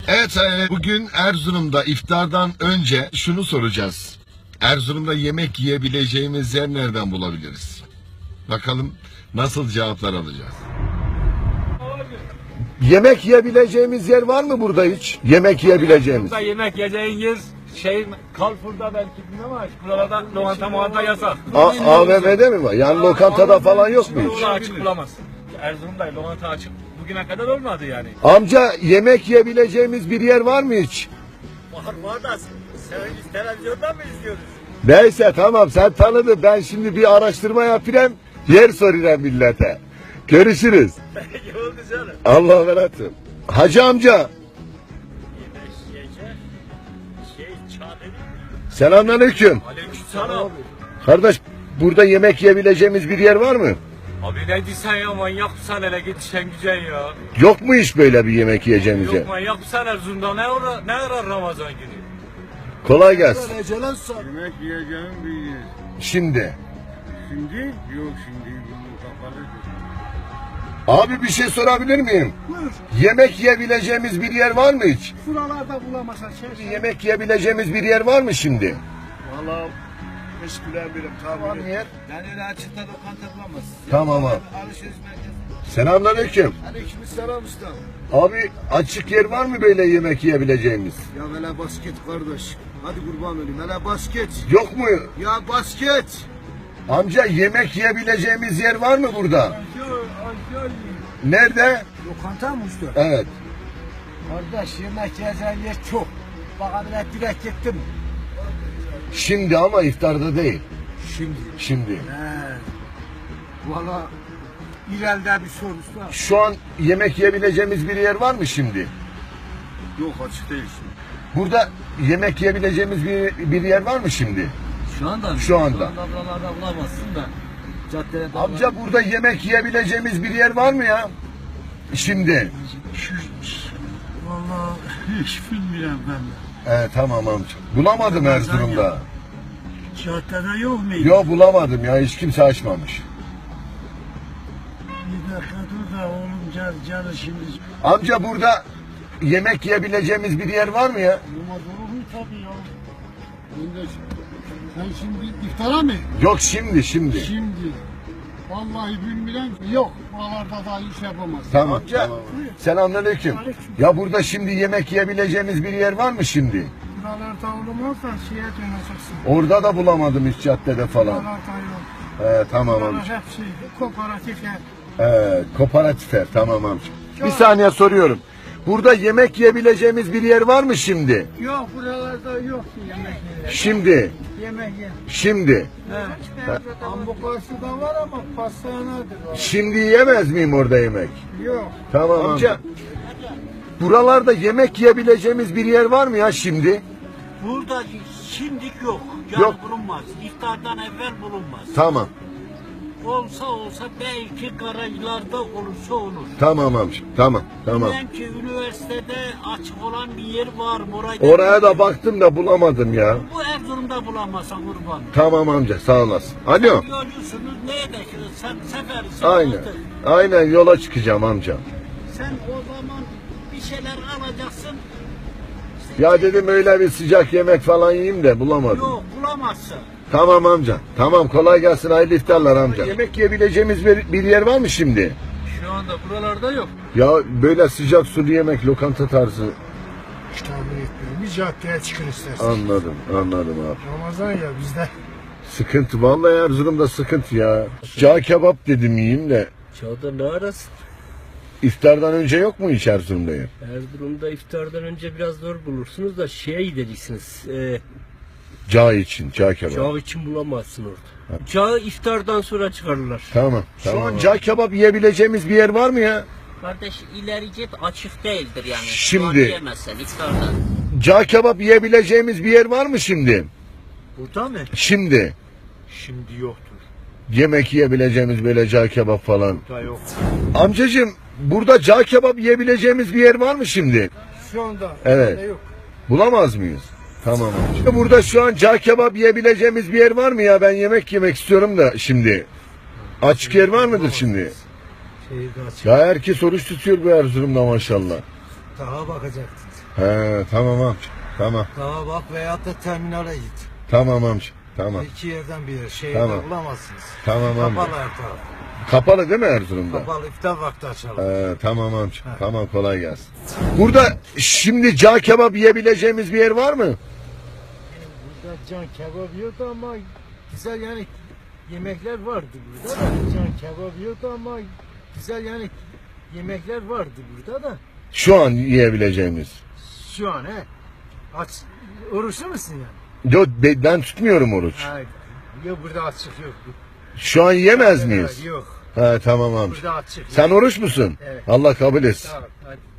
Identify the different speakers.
Speaker 1: Evet, bugün Erzurum'da iftardan önce şunu soracağız. Erzurum'da yemek yiyebileceğimiz yer nereden bulabiliriz? Bakalım nasıl cevaplar alacağız. Yemek yiyebileceğimiz yer var mı burada hiç? Yemek yiyebileceğimiz.
Speaker 2: Burada yemek yiyeceğiniz Carrefour'da belki bilmem ama buralarda lokanta yasak.
Speaker 1: AVM'de mi var? Yani lokantada falan yok mu hiç?
Speaker 2: Burada açık bulamazsın. Erzurum'da lokanta açık bugüne kadar olmadı yani.
Speaker 1: Amca, yemek yiyebileceğimiz bir yer var mı hiç?
Speaker 2: Var da televizyondan mı izliyoruz?
Speaker 1: Neyse, tamam, sen tanıdın. Ben şimdi bir araştırma yapayım. Yer soracağım millete. Görüşürüz.
Speaker 2: Oldu canım.
Speaker 1: Allah'a emanet olun. Hacı amca. Selamünaleyküm.
Speaker 2: Aleykümselam.
Speaker 1: Kardeş, burada yemek yiyebileceğimiz bir yer var mı?
Speaker 2: Abi ne diyorsun ya, manyak mısın, hele git sen güzel ya.
Speaker 1: Yok mu hiç böyle bir yemek yiyeceğimiz yer?
Speaker 2: Yok manyak mısın Erzurum'da, ne arar Ramazan günü?
Speaker 1: Kolay gelsin.
Speaker 3: Yemek yiyeceğim bir yer.
Speaker 1: Şimdi.
Speaker 3: Şimdi? Yok şimdi bunun kapalıdır.
Speaker 1: Abi, bir şey sorabilir miyim?
Speaker 4: Buyur.
Speaker 1: Yemek yiyebileceğimiz bir yer var mı hiç?
Speaker 4: Buralarda bulamazsan
Speaker 1: Yemek yiyebileceğimiz bir yer var mı şimdi?
Speaker 4: Valla hiç bilemiyorum
Speaker 1: Var mı yer?
Speaker 4: Yani öyle açıkta lokanta bulamazsın.
Speaker 1: Tamam abi.
Speaker 4: Alışveriş merkezi.
Speaker 1: Selamünaleyküm.
Speaker 4: Aleykümselam usta.
Speaker 1: Abi, açık yer var mı böyle yemek yiyebileceğimiz?
Speaker 4: Ya hele basket kardeş. Hadi kurban olayım. Hele basket.
Speaker 1: Yok mu?
Speaker 4: Ya basket.
Speaker 1: Amca, yemek yiyebileceğimiz yer var mı burada? Nerede?
Speaker 4: Lokanta mı usta?
Speaker 1: Evet.
Speaker 4: Kardeş yemek yiyeceğin yer çok. Bak habire direkt gittim.
Speaker 1: Şimdi ama iftarda değil. Şimdi.
Speaker 4: He. Valla ileride bir sor usta.
Speaker 1: Şu an yemek yiyebileceğimiz bir yer var mı şimdi?
Speaker 3: Yok açık değil şimdi.
Speaker 1: Burada yemek yiyebileceğimiz bir yer var mı şimdi?
Speaker 4: Şu anda mı?
Speaker 1: Şu anda.
Speaker 4: Buralarda bulamazsın da. Caddede
Speaker 1: Amca, burada yemek yiyebileceğimiz bir yer var mı ya? Şimdi.
Speaker 3: Vallahi hiç bilmiyorum ben de.
Speaker 1: Tamam amca. Bulamadım Erzurum'da.
Speaker 3: Caddede yok muydu?
Speaker 1: Yok, bulamadım ya. Hiç kimse açmamış.
Speaker 3: Bir dakika dur da oğlum canı şimdi.
Speaker 1: Amca, burada yemek yiyebileceğimiz bir yer var mı ya?
Speaker 3: Olmaz olur mu tabii ya. Sen şimdi iftara mı?
Speaker 1: Yok, şimdi.
Speaker 3: Şimdi. Vallahi bilmiyorum. Yok. Buralarda da iş yapamaz.
Speaker 1: Tamam. Selamünaleyküm. Ya burada şimdi yemek yiyebileceğimiz bir yer var mı şimdi?
Speaker 3: Buralarda olmazsa şeye döneceksin.
Speaker 1: Orada da bulamadım hiç, caddede falan.
Speaker 3: Buralarda yok.
Speaker 1: Tamam
Speaker 3: Buralar
Speaker 1: amca.
Speaker 3: hepsi kooperatif yer.
Speaker 1: Kooperatifler, tamam amca. Bir saniye soruyorum. Burada yemek yiyebileceğimiz bir yer var mı şimdi?
Speaker 3: Yok buralarda yok yemek yeri.
Speaker 1: Şimdi.
Speaker 3: Yemek yer.
Speaker 1: Şimdi.
Speaker 3: Ambukası da var ama pastanedir o.
Speaker 1: Şimdi yiyemez miyim orada yemek?
Speaker 3: Yok.
Speaker 1: Tamam amca. Buralarda yemek yiyebileceğimiz bir yer var mı ya şimdi?
Speaker 5: Burada şimdilik yok.
Speaker 1: Yok.
Speaker 5: Bulunmaz. İftardan evvel bulunmaz.
Speaker 1: Tamam.
Speaker 5: Olsa belki garajlarda olursa olur.
Speaker 1: Tamam amca. Tamam.
Speaker 5: Bilmem ki üniversitede açık olan bir yer var mı?
Speaker 1: Oraya da baktım da bulamadım ya.
Speaker 5: Bu Erzurum'da bulamazsan kurban.
Speaker 1: Tamam amca, sağ olasın. Alo.
Speaker 5: Yolcusunuz neye de seferisin.
Speaker 1: Aynen. Aynen, yola çıkacağım amca.
Speaker 5: Sen o zaman bir şeyler alacaksın.
Speaker 1: Ya dedim öyle bir sıcak yemek falan yiyeyim de bulamadım.
Speaker 5: Yok bulamazsın.
Speaker 1: Tamam amca. Tamam, kolay gelsin, hayırlı iftarlar amca. Yemek yiyebileceğimiz bir yer var mı şimdi?
Speaker 2: Şu anda buralarda yok.
Speaker 1: Ya böyle sıcak sulu yemek, lokanta tarzı.
Speaker 3: Hiç tahmin etmiyorum. Bir caddeye çıkın istersen.
Speaker 1: Anladım abi.
Speaker 3: Ramazan ya bizde.
Speaker 1: Sıkıntı, vallahi Erzurum'da sıkıntı ya. Cağ kebap dedim yiyeyim de.
Speaker 6: Çağda ne arasın?
Speaker 1: İftardan önce yok mu hiç Erzurum'da yer?
Speaker 6: Erzurum'da iftardan önce biraz zor bulursunuz da şeye gideceksiniz.
Speaker 1: Cağ için, cağ kebap.
Speaker 6: Cağ için bulamazsın orada. Cağı iftardan sonra çıkarırlar.
Speaker 1: Tamam. Şu an cağ kebap yiyebileceğimiz bir yer var mı ya?
Speaker 5: Kardeş ileri git açık değildir yani.
Speaker 1: Şimdi-
Speaker 5: Yiyemezsen iftardan.
Speaker 1: Cağ kebap yiyebileceğimiz bir yer var mı şimdi?
Speaker 2: Burada mı?
Speaker 1: Şimdi.
Speaker 2: Şimdi yoktur.
Speaker 1: Yemek yiyebileceğimiz böyle cağ kebap falan.
Speaker 2: Burada yok.
Speaker 1: Amcacığım, burada cağ kebap yiyebileceğimiz bir yer var mı şimdi?
Speaker 3: Şu anda.
Speaker 1: Evet.
Speaker 3: Yok.
Speaker 1: Bulamaz mıyız? Tamam amca. Burada şu an cağ kebap yiyebileceğimiz bir yer var mı ya? Ben yemek yemek istiyorum da şimdi. Açık yer var mıdır şimdi?
Speaker 3: Şehirde açık.
Speaker 1: Ya herkes oruç tutuyor bu Erzurum'da maşallah.
Speaker 3: Daha bakacaktın.
Speaker 1: He, tamam amca. Tamam.
Speaker 4: Daha bak veyahut da terminale git.
Speaker 1: Tamam amca. Tamam.
Speaker 4: İki yerden biri. Şehirde
Speaker 1: Tamam.
Speaker 4: bulamazsınız.
Speaker 1: Tamam amca.
Speaker 4: Kapalı her taraf.
Speaker 1: Kapalı değil mi Erzurum'da?
Speaker 4: Kapalı iftar vakti açalım.
Speaker 1: Tamam amca. Tamam, kolay gelsin. Burada şimdi cağ kebap yiyebileceğimiz bir yer var mı?
Speaker 4: Burada can kebap yok ama güzel yani yemekler vardı burada da. Can kebap yok ama güzel yani yemekler vardı burada da.
Speaker 1: Şu an yiyebileceğimiz.
Speaker 4: Şu an aç oruçlu musun yani?
Speaker 1: Yok, ben tutmuyorum oruç.
Speaker 4: Hayır. Yok burada açık yok.
Speaker 1: Şu an yiyemez miyiz?
Speaker 4: Yok.
Speaker 1: He, tamam amca.
Speaker 4: Burada açık.
Speaker 1: Sen oruç musun?
Speaker 4: Evet.
Speaker 1: Allah kabul etsin.
Speaker 4: Tamam, hadi.